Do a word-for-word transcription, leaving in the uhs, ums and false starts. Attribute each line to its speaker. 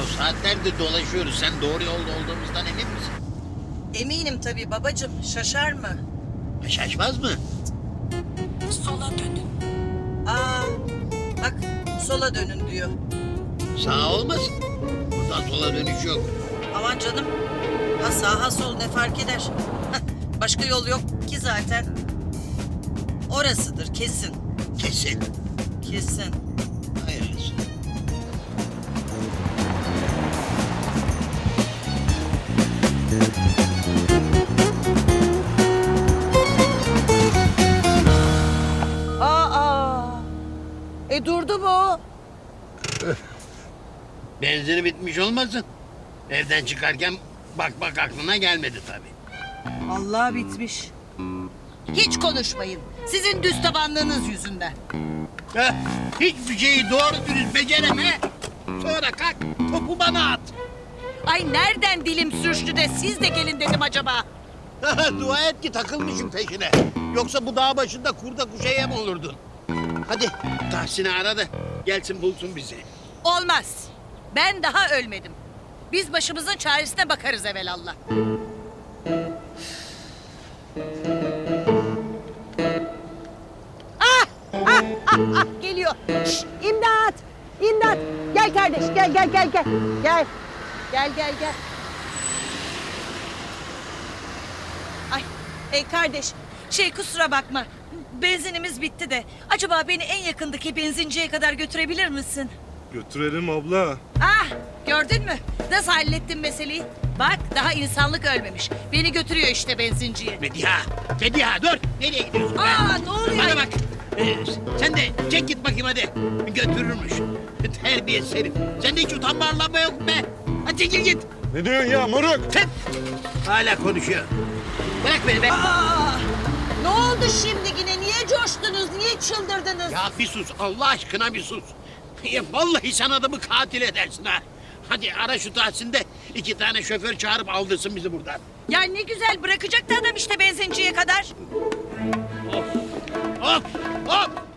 Speaker 1: saatlerdir dolaşıyoruz. Sen doğru yolda olduğumuzdan emin misin?
Speaker 2: Eminim tabii babacığım. Şaşar mı?
Speaker 1: Ha, şaşmaz mı?
Speaker 3: Sola dönün.
Speaker 2: Aa, bak sola dönün diyor.
Speaker 1: Sağ olmasın. Buradan sola dönüş yok.
Speaker 2: Aman canım. Ha sağ ha sol ne fark eder? Başka yol yok ki zaten. Orasıdır kesin.
Speaker 1: Kesin.
Speaker 2: Kesin.
Speaker 1: Hayırlısı.
Speaker 2: Aa. E durdu mu?
Speaker 1: Benzini bitmiş olmasın. Evden çıkarken bak bak aklına gelmedi tabii.
Speaker 2: Allah bitmiş. Hiç konuşmayın. Sizin düz tabanlığınız yüzünden.
Speaker 1: Heh, hiçbir şeyi doğru dürüst becereme. Sonra kalk topu bana at.
Speaker 2: Ay nereden dilim sürçtü de siz de gelin dedim acaba?
Speaker 1: Dua et ki takılmışım peşine. Yoksa bu dağ başında kurda kuşa yem olurdun. Hadi Tahsin'i ara da gelsin bulsun bizi.
Speaker 2: Olmaz. Ben daha ölmedim. Biz başımızın çaresine bakarız evelallah. Ah! Ah! Ah! Ah! Geliyor. Şşt! İmdat! İmdat! Gel kardeş, gel gel gel gel. Gel. Gel gel gel. Ay, ey kardeş, şey kusura bakma. Benzinimiz bitti de. Acaba beni en yakındaki benzinciye kadar götürebilir misin?
Speaker 4: Götürelim abla.
Speaker 2: Ah, gördün mü? Nasıl hallettin meseleyi? Bak daha insanlık ölmemiş. Beni götürüyor işte benzinciye.
Speaker 1: Mediha, Mediha dur. Nereye gidiyorsun be?
Speaker 2: Aa, ne oluyor?
Speaker 1: Bana bak. Ee, sen de çek git bakayım hadi. Götürürmüş. Terbiyesiz herif. Sende hiç utanma arlanma yok mu be? Hadi çekil git.
Speaker 4: Ne diyorsun ya moruk?
Speaker 1: Tıp. Hala konuşuyor. Bırak beni be.
Speaker 2: Aa, ne oldu şimdi yine? Niye coştunuz? Niye çıldırdınız?
Speaker 1: Ya bir sus Allah aşkına bir sus. Ya vallahi sen adamı katil edersin ha. Hadi ara şu Tahsin de iki tane şoför çağırıp aldırsın bizi buradan.
Speaker 2: Ya ne güzel bırakacaktı adam işte benzinciye kadar.
Speaker 1: Hop hop hop.